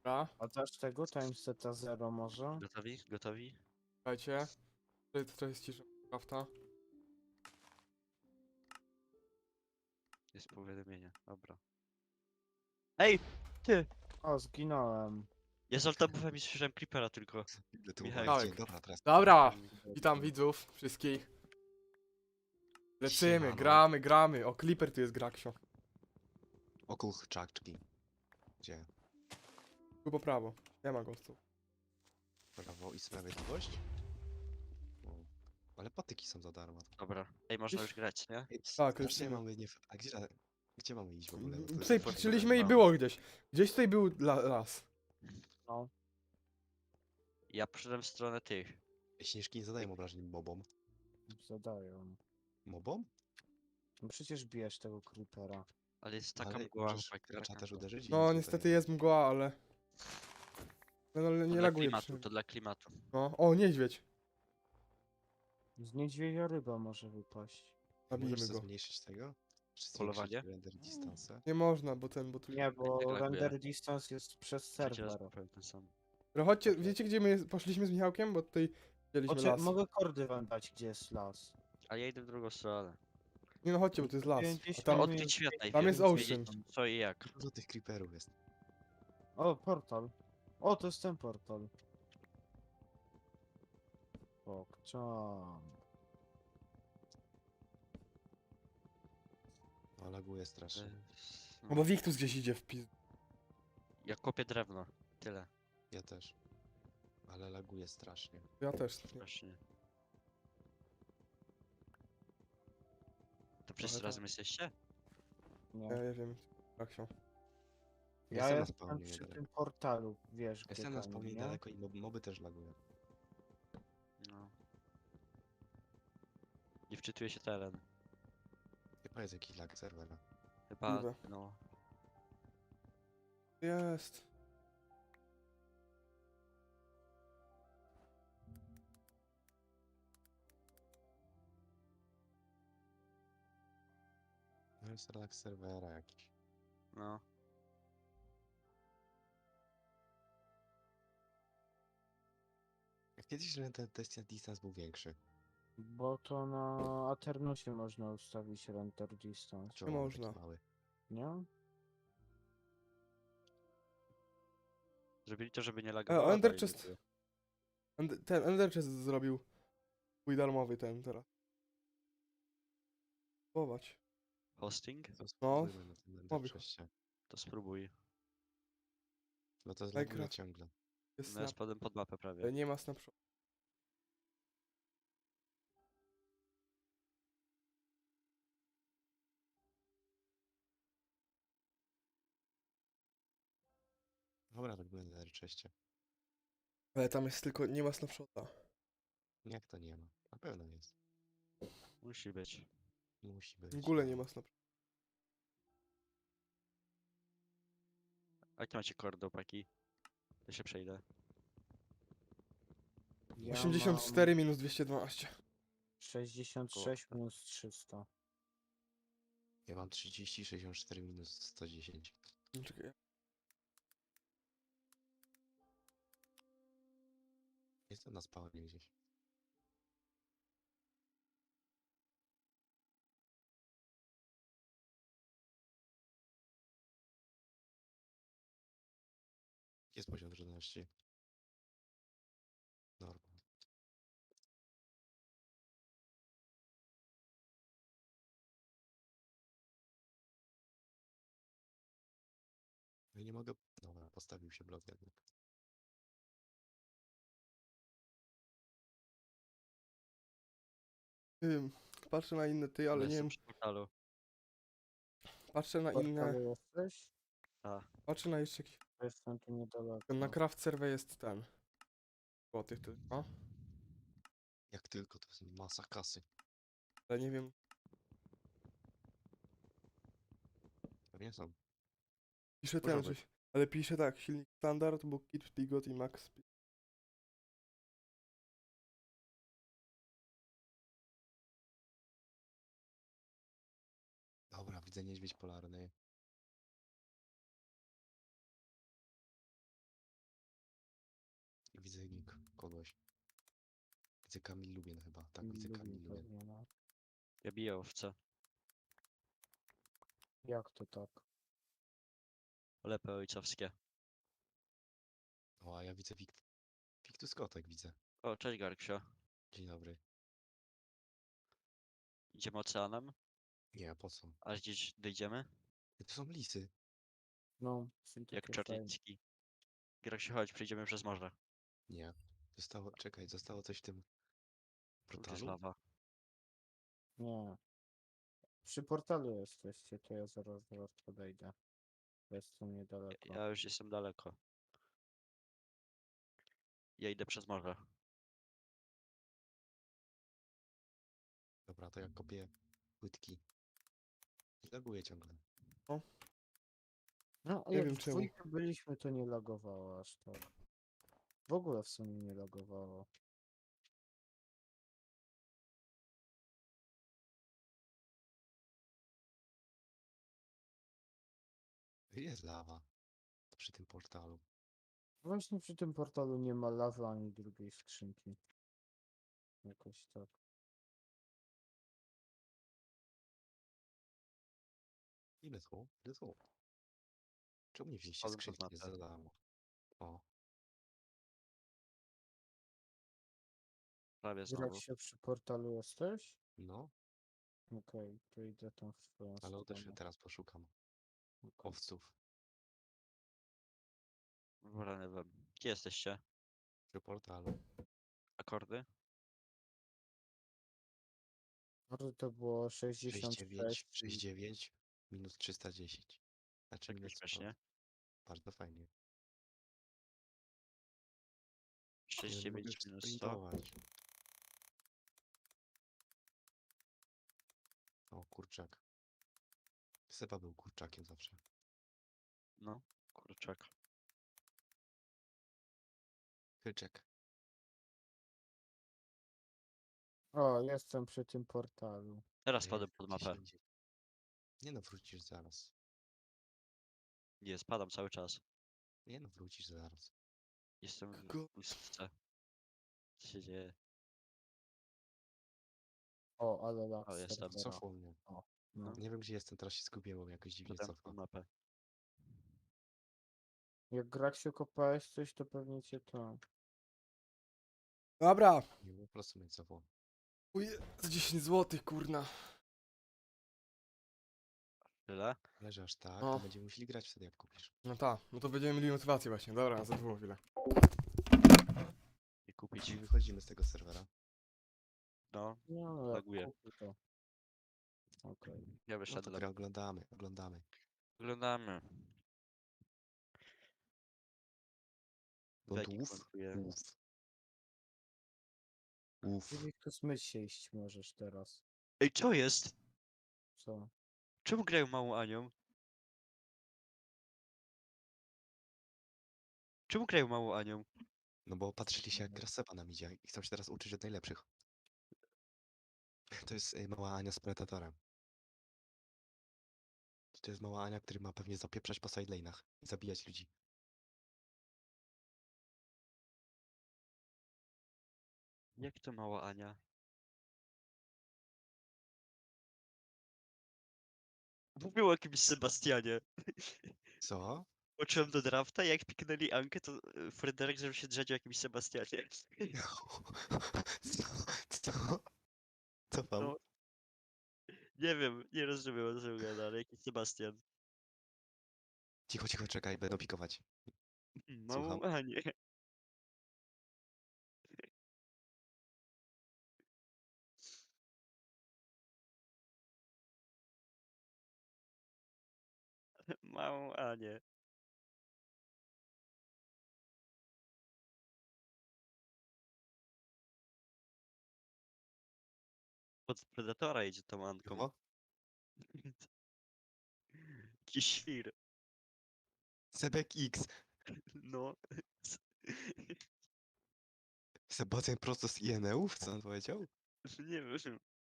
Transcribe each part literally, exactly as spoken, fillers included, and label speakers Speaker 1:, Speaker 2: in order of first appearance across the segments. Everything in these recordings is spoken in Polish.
Speaker 1: Dobra,
Speaker 2: A dasz tego timeseta zero może?
Speaker 3: Gotowi? Gotowi?
Speaker 1: słuchajcie. To, to jest cisza prawda?
Speaker 3: Jest powiadomienie, dobra. Ej! Ty!
Speaker 2: O, zginąłem.
Speaker 3: Ja z altobufem i słyszałem creepera tylko.
Speaker 4: Ile tu
Speaker 3: Michał.
Speaker 4: uwagi?
Speaker 1: Tak.
Speaker 4: Dobra, teraz.
Speaker 1: Dobra, witam widzów wszystkich. Lecimy,
Speaker 4: Siemano.
Speaker 1: gramy, gramy. O, Clipper tu jest Graksio.
Speaker 4: Okuch czaczki. Gdzie?
Speaker 1: Tu po prawo. Nie ma gostu.
Speaker 4: Prawo i sprawiedliwość? O. Ale patyki są za darmo.
Speaker 3: Dobra. Ej, można już grać, nie?
Speaker 4: Ej,
Speaker 1: Tak,
Speaker 4: Gdzie
Speaker 1: lecimy.
Speaker 4: mamy nie... A gdzie, gdzie mamy iść w ogóle? Bo to jest
Speaker 1: Tutaj
Speaker 4: fajne.
Speaker 1: patrzyliśmy i
Speaker 3: no.
Speaker 1: było gdzieś. Gdzieś tutaj był la las.
Speaker 2: No.
Speaker 3: Ja przyszedłem w stronę tych.
Speaker 4: Śnieżki nie zadają obrażeń mobom.
Speaker 2: Zadają.
Speaker 4: Mobom?
Speaker 2: No przecież bijesz tego creepera.
Speaker 3: Ale jest taka
Speaker 4: Ale
Speaker 3: mgła,
Speaker 4: możesz
Speaker 3: chłopaki,
Speaker 4: gracza
Speaker 3: taka
Speaker 4: też
Speaker 3: mgła.
Speaker 4: uderzyć i
Speaker 1: No,
Speaker 4: tutaj-
Speaker 1: niestety jest mgła, ale... No, no ale
Speaker 3: To
Speaker 1: nie
Speaker 3: dla
Speaker 1: laguje
Speaker 3: klimatu,
Speaker 1: przy...
Speaker 3: to dla klimatu.
Speaker 1: No, o, niedźwiedź.
Speaker 2: Z niedźwiedzia ryba może wypaść.
Speaker 1: Zabijmy
Speaker 4: Możesz sobie
Speaker 1: go.
Speaker 4: zmniejszyć tego? Czy
Speaker 3: Polowanie?
Speaker 4: zwiększyć render distance?
Speaker 1: Nie można, bo ten, bo tu...
Speaker 2: Nie, bo
Speaker 3: tak laguje.
Speaker 2: render distance jest przez
Speaker 3: Trzeci raz
Speaker 2: serwer.
Speaker 3: powiem ten sam.
Speaker 1: No chodźcie, wiecie gdzie my poszliśmy z Michałkiem? Bo tutaj widzieliśmy
Speaker 2: Oczy,
Speaker 1: las.
Speaker 2: mogę kordy wam dać, gdzie jest las.
Speaker 3: A ja idę w drugą stronę.
Speaker 1: Nie no chodźcie, bo to jest las. A
Speaker 2: pięćdziesiąt
Speaker 1: tam...
Speaker 2: minut.
Speaker 3: Odkryć świat najpierw.
Speaker 1: tam jest
Speaker 3: wiedzieć,
Speaker 1: ocean.
Speaker 3: co i jak.
Speaker 4: Dużo tych creeperów jest.
Speaker 2: O, portal. O, to jest ten portal. Pokczam.
Speaker 4: No laguje strasznie.
Speaker 3: Eee,
Speaker 1: No bo Wiktus gdzieś idzie w pis...
Speaker 3: Ja kopię drewno. Tyle.
Speaker 4: Ja też. Ale laguje strasznie.
Speaker 1: Ja też. Nie.
Speaker 3: Właśnie. To wszyscy
Speaker 1: tak.
Speaker 3: razem jesteście?
Speaker 2: Nie.
Speaker 1: Ja nie wiem. Graksio.
Speaker 2: Ja
Speaker 4: Jestem na
Speaker 2: jestem
Speaker 4: spawnie
Speaker 2: przy
Speaker 4: niedaleko.
Speaker 2: tym portalu, wiesz, gdzie
Speaker 4: Jestem na
Speaker 2: tam,
Speaker 4: spawnie
Speaker 2: nie?
Speaker 4: daleko i mob, moby też lagują.
Speaker 3: No. Nie wczytuje się teren.
Speaker 4: Chyba jest jakiś lag serwera.
Speaker 3: Chyba,
Speaker 1: Niby.
Speaker 3: no.
Speaker 1: Jest.
Speaker 4: No jest lag serwera jakiś.
Speaker 3: No.
Speaker 4: Kiedyś że ten test distance był większy.
Speaker 2: Bo to na Aternusie można ustawić render distance,
Speaker 4: Czemu on taki
Speaker 1: można.
Speaker 4: mały?
Speaker 2: nie?
Speaker 3: Zrobili to, żeby nie
Speaker 1: E,
Speaker 3: lagowało.
Speaker 1: Ender
Speaker 3: dalej
Speaker 1: Chest.
Speaker 3: laguje.
Speaker 1: End- Ten Ender Chest zrobił. Twój darmowy ten teraz. Spróbować.
Speaker 3: Hosting?
Speaker 4: To spróbujmy na tym
Speaker 1: Mowy.
Speaker 4: przejście.
Speaker 3: To spróbuj.
Speaker 4: Bo to
Speaker 1: Minecraft.
Speaker 4: zlaguje ciągle.
Speaker 1: Jest
Speaker 3: No ja
Speaker 1: snap.
Speaker 3: spadłem pod mapę
Speaker 1: E,
Speaker 3: prawie.
Speaker 1: Nie ma snapshot.
Speaker 4: Dobra, tak będę na czeście.
Speaker 1: Ale tam jest tylko, nie ma snapshota.
Speaker 4: Jak to nie ma? Na pewno jest.
Speaker 3: Musi być.
Speaker 4: Musi być.
Speaker 1: W ogóle nie ma snapshota.
Speaker 3: A jakie macie kordy, opaki? To się przejdę.
Speaker 2: Ja
Speaker 1: osiemdziesiąt cztery minus dwieście dwanaście.
Speaker 2: mam sześćdziesiąt sześć minus trzysta.
Speaker 4: Ja mam trzydzieści, sześćdziesiąt cztery minus sto dziesięć.
Speaker 1: No, czekaj.
Speaker 4: Jestem na spawnie gdzieś. Jest poziom trudności. Normal. No i nie mogę... Dobra, postawił się blok jednak.
Speaker 1: Ym, Patrzę na inne ty, ale nie
Speaker 3: jestem
Speaker 1: wiem.
Speaker 3: przy portalu.
Speaker 1: Patrzę na inne.
Speaker 2: Portalu jesteś?
Speaker 3: A,
Speaker 1: Patrzę na jeszcze jakiś.
Speaker 2: Jestem tu niedaleko.
Speaker 1: Na craft serwer jest ten. Złoty tylko.
Speaker 4: Jak tylko, to jest masa kasy.
Speaker 1: Ale nie wiem.
Speaker 4: Pewnie są.
Speaker 1: Pisze
Speaker 4: Może
Speaker 1: ten,
Speaker 4: być.
Speaker 1: że. Ale pisze tak, silnik standard, bo kit Digot i max speed.
Speaker 4: Dobra, widzę niedźwiedź polarny. widzę nick kogoś. Widzę Kamil Lubien chyba. Tak, widzę
Speaker 2: Lubię
Speaker 4: Kamil Lubien.
Speaker 2: pewnie, no.
Speaker 3: Ja biję owce.
Speaker 2: Jak to tak?
Speaker 3: Lepy ojcowskie.
Speaker 4: O, a ja widzę Wikt... Wiktus Kotek widzę.
Speaker 3: O, cześć Garksio.
Speaker 4: Dzień dobry.
Speaker 3: Idziemy oceanem?
Speaker 4: Nie, a po co?
Speaker 3: Aż gdzieś dojdziemy?
Speaker 4: To są lisy.
Speaker 2: No, są
Speaker 3: Jak
Speaker 2: takie fajne.
Speaker 3: Czarnicki. Garksio, chodź, przejdziemy przez morze.
Speaker 4: Nie. Zostało, czekaj, zostało coś w tym
Speaker 3: Tu jest
Speaker 4: portalu?
Speaker 3: lawa.
Speaker 2: Nie. Przy portalu jesteście, to ja zaraz do was podejdę. Jestem niedaleko.
Speaker 3: Ja już jestem daleko. Ja idę przez morze.
Speaker 4: Dobra, to ja kopię płytki. Laguję ciągle.
Speaker 2: No, a
Speaker 1: Nie
Speaker 2: jak
Speaker 1: wiem
Speaker 2: w
Speaker 1: czemu.
Speaker 2: dwójkę byliśmy, to nie lagowało aż tak. W ogóle w sumie nie lagowało.
Speaker 4: Jest lawa. Przy tym portalu.
Speaker 2: Właśnie przy tym portalu nie ma lawy ani drugiej skrzynki. Jakoś tak.
Speaker 4: Ile są? Ile są? Czemu nie wzięliście
Speaker 3: Spadłem pod
Speaker 4: skrzynki
Speaker 3: mapę.
Speaker 4: za darmo? O,
Speaker 3: Prawie
Speaker 2: Grać
Speaker 3: znowu.
Speaker 2: się przy portalu jesteś?
Speaker 4: no,
Speaker 2: Okej, to idę tam w twoją
Speaker 4: ale też
Speaker 2: stronę.
Speaker 4: teraz poszukam
Speaker 2: Okej.
Speaker 4: owców.
Speaker 3: Rany wam. Gdzie jesteście?
Speaker 4: Przy portalu.
Speaker 3: Akordy?
Speaker 2: Może to było sześćdziesiąt
Speaker 4: sześćdziesiąt dziewięć,
Speaker 2: sześć. i-
Speaker 4: sześćdziesiąt dziewięć minus trzysta dziesięć. Znaczy
Speaker 3: Tak
Speaker 4: minus
Speaker 3: śmiesznie.
Speaker 4: Bardzo fajnie.
Speaker 3: sześć
Speaker 4: Nie, no mogę
Speaker 3: dziewięć minus sto.
Speaker 4: sprintować. O, kurczak. Seba był kurczakiem zawsze.
Speaker 3: No, kurczak.
Speaker 4: Kryczek.
Speaker 2: O, jestem przy tym portalu.
Speaker 3: Teraz
Speaker 4: Ja
Speaker 3: spadłem
Speaker 4: jestem
Speaker 3: pod
Speaker 4: gdzieś
Speaker 3: mapę.
Speaker 4: indziej. Nie no, wrócisz zaraz.
Speaker 3: Nie, spadam cały czas.
Speaker 4: Nie no, wrócisz zaraz.
Speaker 3: Jestem w
Speaker 1: Go-
Speaker 3: pustce. Co się dzieje?
Speaker 2: O, ale lag
Speaker 3: O, jestem.
Speaker 2: serwera.
Speaker 4: Cofło mnie.
Speaker 2: No.
Speaker 4: Nie wiem gdzie jestem, teraz się zgubiłem, bo mnie jakoś dziwnie
Speaker 3: Spadłem
Speaker 4: cofa.
Speaker 3: pod mapę.
Speaker 2: Jak grać się kopałeś coś, to pewnie cię to...
Speaker 1: Dobra.
Speaker 4: Nie, po prostu mnie cofło.
Speaker 1: Uj, z dziesięć złotych, kurna.
Speaker 3: Tyle?
Speaker 4: Ale że aż tak,
Speaker 1: No.
Speaker 4: to będziemy musieli grać wtedy jak kupisz.
Speaker 1: No tak, no to będziemy mieli motywację właśnie. Dobra, za dwóch chwilę.
Speaker 3: I kupić.
Speaker 4: Czyli wychodzimy z tego serwera.
Speaker 3: No,
Speaker 2: No, jak
Speaker 3: Laguje.
Speaker 2: kupię to... Okej.
Speaker 3: ja
Speaker 4: No to
Speaker 3: wyszedłem.
Speaker 4: grę oglądamy, oglądamy.
Speaker 3: Oglądamy. Weki
Speaker 4: Gotów?
Speaker 3: komentuje.
Speaker 4: Uf. Uf.
Speaker 2: Czyli to smyć się iść możesz teraz.
Speaker 3: Ej, co jest?
Speaker 2: Co?
Speaker 3: Czemu grają małą Anią? Czemu grają małą Anią?
Speaker 4: No bo patrzyli się jak gra Seba nam idzie i chcą się teraz uczyć od najlepszych. To jest y, mała Ania z Predatorem. To jest mała Ania, który ma pewnie zapieprzać po sidelane'ach i zabijać ludzi.
Speaker 3: Jak to mała Ania? Mówił o jakimś Sebastianie.
Speaker 4: Co?
Speaker 3: Poczułem do drafta i jak piknęli Ankę, to e, Fryderyk zaczął się drzeć o jakimś Sebastianie.
Speaker 4: Co? Co? Co tam?
Speaker 3: No. Nie wiem, nie rozumiem o czym gada, ale jakiś Sebastian.
Speaker 4: Cicho, cicho, czekaj, będą pikować.
Speaker 3: Małą
Speaker 4: Słucham?
Speaker 3: Anię. Małą Anię. Od Predatora idzie tą Anką.
Speaker 4: Cicho?
Speaker 3: Jakiś świr.
Speaker 4: Sebek X.
Speaker 3: No.
Speaker 4: Sebastian prosto z I N E ów, co on powiedział?
Speaker 3: Nie wiem.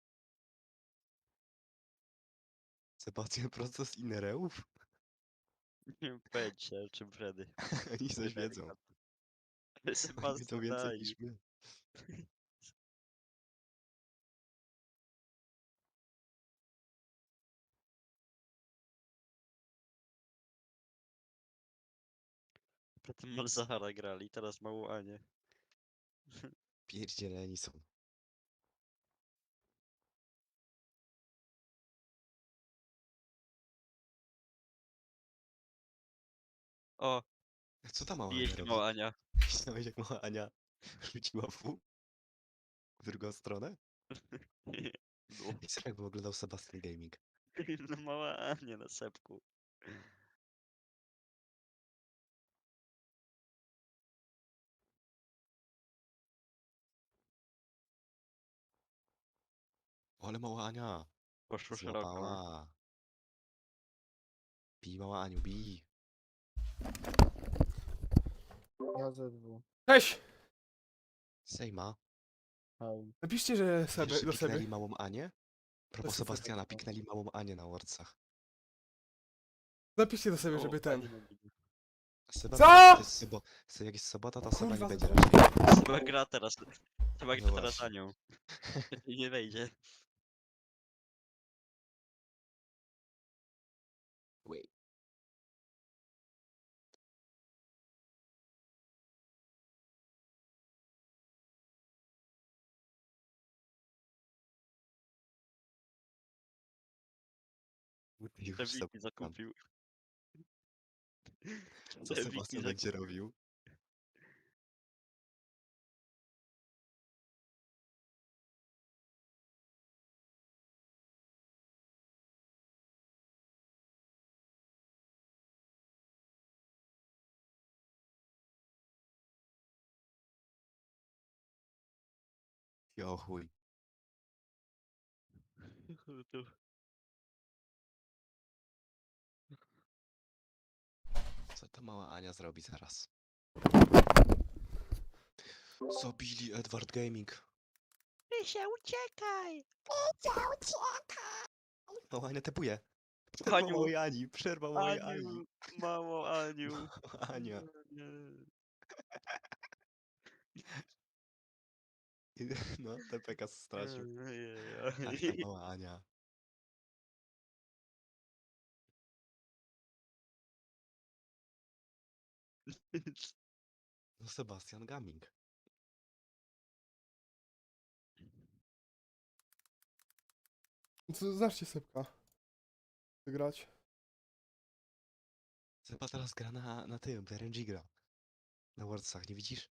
Speaker 4: Sebastian prosto z Inereów?
Speaker 3: Nie wiem pojęcia, o czym Freddy.
Speaker 4: Oni coś
Speaker 3: Fryderyk
Speaker 4: wiedzą.
Speaker 3: gada.
Speaker 4: My to
Speaker 3: Sebastian,
Speaker 4: więcej
Speaker 3: daj.
Speaker 4: niż my.
Speaker 3: Potem Malzahara grali, teraz mało Anię.
Speaker 4: Pierdzieleni są.
Speaker 3: O,
Speaker 4: Co ta mała
Speaker 3: bije
Speaker 4: Ania
Speaker 3: się
Speaker 4: robi?
Speaker 3: mała Ania.
Speaker 4: Widziałeś jak mała Ania rzuciła w w drugą stronę?
Speaker 3: No,
Speaker 4: I co jakby oglądał Sebastian Gaming?
Speaker 3: no mała Ania na sepku.
Speaker 4: O, ale mała Ania
Speaker 3: Poszło szeroko.
Speaker 4: złapała. Bij mała Aniu, bij.
Speaker 2: Ja ze dwu.
Speaker 1: Cześć!
Speaker 4: Sejma.
Speaker 2: Hej.
Speaker 1: Napiszcie, że
Speaker 4: Wiesz,
Speaker 1: Seby,
Speaker 4: że
Speaker 1: do
Speaker 4: piknęli
Speaker 1: Seby.
Speaker 4: małą Anię? Propos
Speaker 1: jest Seba.
Speaker 4: Sebastiana, piknęli małą Anię na Wordsach.
Speaker 1: Napiszcie do Seby,
Speaker 3: O,
Speaker 1: żeby
Speaker 3: fajnie
Speaker 1: ten...
Speaker 3: mówili.
Speaker 4: Seba,
Speaker 1: Co?
Speaker 4: to jest sobo... se- jak jest sobota, to Seba nie
Speaker 1: Kurwa,
Speaker 4: będzie
Speaker 1: to-
Speaker 4: raczej.
Speaker 3: Chyba gra teraz. Chyba
Speaker 4: No
Speaker 3: gra teraz
Speaker 4: właśnie.
Speaker 3: Anią. I nie wejdzie.
Speaker 4: Wait. Już
Speaker 3: Przewiki
Speaker 4: Sebastian.
Speaker 3: zakupił.
Speaker 4: Co
Speaker 3: Przewiki
Speaker 4: Sebastian będzie
Speaker 3: zakupił.
Speaker 4: robił? Jo chuj.
Speaker 3: Tu.
Speaker 4: Co ta mała Ania zrobi zaraz? Zabili Edward Gaming.
Speaker 3: Rysia, uciekaj!
Speaker 4: Mała Ania tepuje. Przerwa
Speaker 3: Aniu.
Speaker 4: małej Ani, przerwa małej Ani.
Speaker 3: Aniu, mało Aniu.
Speaker 4: Mała Ania.
Speaker 3: Nie.
Speaker 4: No, T P K stracił. Ach,
Speaker 3: Ojej.
Speaker 4: ta mała Ania. No Sebastian Gaming.
Speaker 1: Co, znaczcie Sebka. Wygrać.
Speaker 4: Seba teraz gra na, na tym, w R N G gra. Na Wordsach, nie widzisz?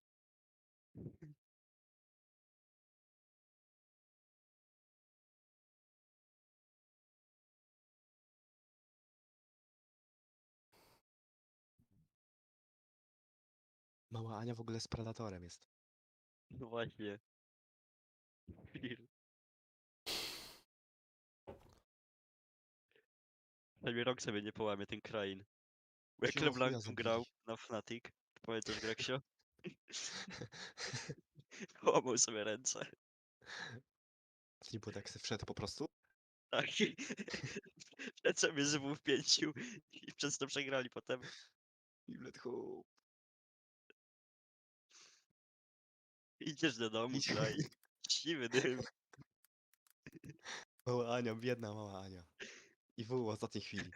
Speaker 4: Mała Ania w ogóle z Predatorem jest.
Speaker 3: No właśnie. Chwil. Przynajmniej rok sobie nie połamie ten krain. Bo jak
Speaker 4: Jo, chuja
Speaker 3: LeBlanc
Speaker 4: zabili.
Speaker 3: grał na Fnatic, to pamiętasz Greksio? Połamał sobie ręce.
Speaker 4: To nie było tak, se wszedł po prostu?
Speaker 3: Tak. i Przed sobie żywu wpięcił i przez to przegrali potem.
Speaker 4: I let go.
Speaker 3: Idziesz do domu,
Speaker 4: Idź.
Speaker 3: kraj. Siwy dym.
Speaker 4: Mała Ania, biedna mała Ania. I w ostatniej chwili.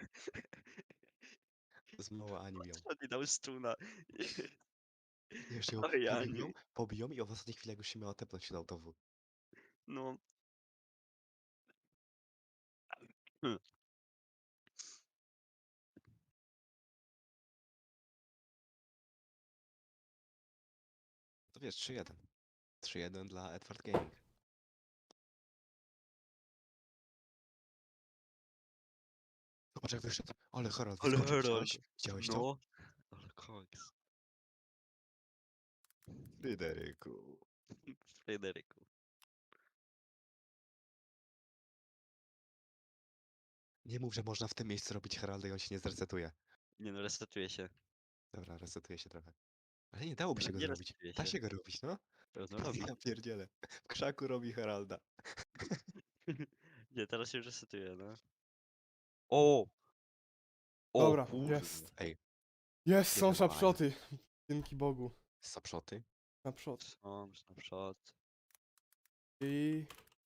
Speaker 4: Z mała Ani miał.
Speaker 3: On nie dał stuna.
Speaker 4: Jeszcze ją
Speaker 3: Oj,
Speaker 4: pobiją,
Speaker 3: Aniu.
Speaker 4: pobiją i w ostatniej chwili jak już się miała tepnąć się dał to w.
Speaker 3: No. Hmm.
Speaker 4: To wiesz, trzy jeden. trzy jeden dla Edward Gaming. Zobacz jak wyszedł. Ale Herald
Speaker 3: Ale
Speaker 4: wyskoczył,
Speaker 3: Herald.
Speaker 4: widziałeś? Widziałeś to?
Speaker 3: No. Ale koks.
Speaker 4: Fryderyku.
Speaker 3: Fryderyku.
Speaker 4: Nie mów, że można w tym miejscu robić Heralda i on się nie zresetuje.
Speaker 3: Nie no, resetuje się.
Speaker 4: Dobra, resetuje się trochę. Ale nie dałoby
Speaker 3: Ale
Speaker 4: się go
Speaker 3: nie
Speaker 4: zrobić.
Speaker 3: resetuje
Speaker 4: Da
Speaker 3: się.
Speaker 4: się go robić, no.
Speaker 3: Pewno robi.
Speaker 4: Ja pierdzielę. W krzaku robi Heralda.
Speaker 3: Nie, teraz się już resetuje, no. O! O
Speaker 1: Dobra,
Speaker 3: kurde.
Speaker 1: jest.
Speaker 4: Ej,
Speaker 1: Jest, są
Speaker 4: Biedna mała Ania.
Speaker 1: szapszoty. Dzięki Bogu.
Speaker 4: Sapszoty.
Speaker 1: Na przód.
Speaker 3: Są, snapshot.
Speaker 1: I...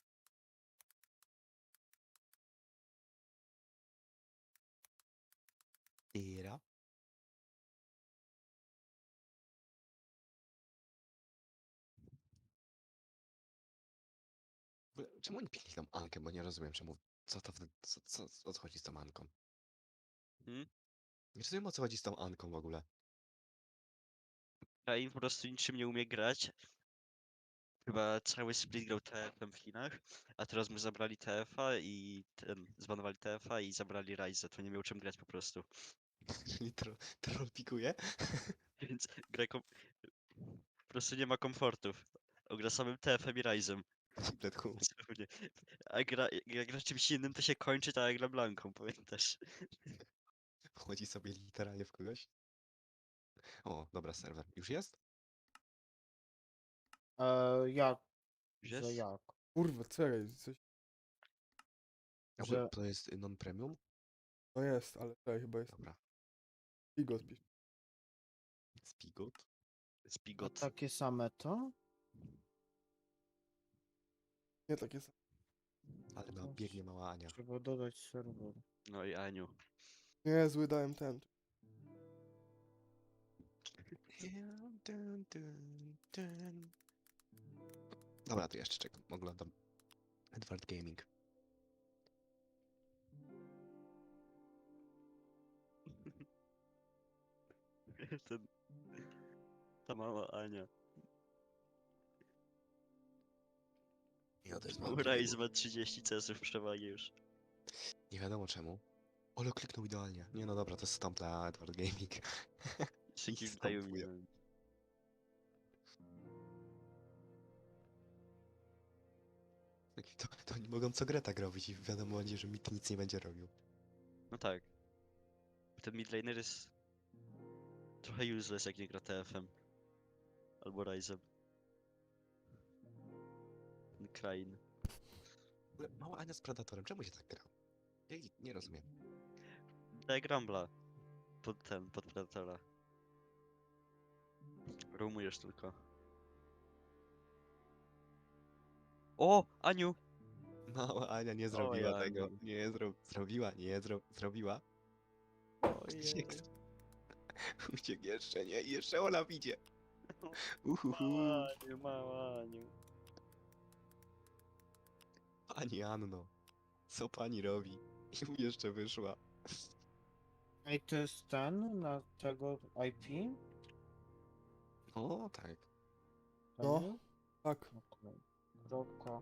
Speaker 4: Tira. W ogóle, czemu oni pikli tą Ankę, bo nie rozumiem czemu, co to, w- co, co, o co chodzi z tą Anką?
Speaker 3: Hmm?
Speaker 4: Nie rozumiem o co chodzi z tą Anką w ogóle.
Speaker 3: Krain po prostu niczym nie umie grać. Chyba cały split grał T F-em w Chinach, a teraz mu zabrali T F-a i ten, zbanowali T F-a i zabrali Ryze, to nie miał czym grać po prostu.
Speaker 4: Czyli tro, troll pikuje?
Speaker 3: Więc gra kom... po prostu nie ma komfortów. On gra samym T F-em i Ryzem.
Speaker 4: Bledku.
Speaker 3: Dosłownie. A gra, jak gra czymś innym, to się kończy tak jak gra Blanką, pamiętasz?
Speaker 4: Wchodzi sobie literalnie w kogoś. O, dobra, serwer. Już jest?
Speaker 2: E, jak?
Speaker 3: Już
Speaker 2: Że
Speaker 3: jest?
Speaker 2: jak?
Speaker 1: Kurwa, czekaj, coś...
Speaker 4: A
Speaker 2: Że-
Speaker 4: To jest y, non-premium?
Speaker 1: No jest, ale czekaj, chyba jest...
Speaker 4: Dobra.
Speaker 1: Figo spisz.
Speaker 4: Spigot.
Speaker 2: A
Speaker 3: Spigot.
Speaker 2: takie same to?
Speaker 1: Nie, tak jest.
Speaker 4: Ale ma,
Speaker 2: To
Speaker 4: biegnie mała Ania.
Speaker 2: Trzeba dodać serwer.
Speaker 3: No i Aniu.
Speaker 1: Nie, zły dałem ten.
Speaker 4: Dun, dun, dun. Dobra, to jeszcze czekam. Oglądam Edward Gaming.
Speaker 3: Ten... Ta mała Ania.
Speaker 4: Ja też
Speaker 3: Bo Ryze ma trzydzieści C S-ów przewagi już.
Speaker 4: Nie wiadomo czemu. Ole kliknął idealnie. Nie no dobra, to jest stamp dla Edward Gaming.
Speaker 3: Szybki
Speaker 4: I
Speaker 3: wdają
Speaker 4: stampuję.
Speaker 3: mi.
Speaker 4: To, to oni mogą co grę tak robić i wiadomo będzie, że Mit nic nie będzie robił.
Speaker 3: No tak. Ten midlaner jest trochę useless jak nie gra T F-em. Albo Ryzem. Ten Krain.
Speaker 4: W ogóle mała Ania z Predatorem, czemu się tak gra? Ja jej nie rozumiem.
Speaker 3: Daje Grambla. Pod ten, pod Predatora. Roomujesz tylko. O! Aniu!
Speaker 4: Mała Ania nie zrobiła
Speaker 3: Oj,
Speaker 4: tego.
Speaker 3: Aniu.
Speaker 4: Nie zro... zrobiła, nie zro... zrobiła. Uciekł. Uciekł jeszcze, nie? I jeszcze Olaf idzie. Uhuhu.
Speaker 3: Mała Aniu, mała Aniu.
Speaker 4: Pani Anno. Co pani robi? I mu jeszcze wyszła.
Speaker 2: Ej, to jest ten na tego I P?
Speaker 4: O, tak.
Speaker 1: No.
Speaker 2: Ten?
Speaker 1: Tak.
Speaker 2: Okej. Kropka.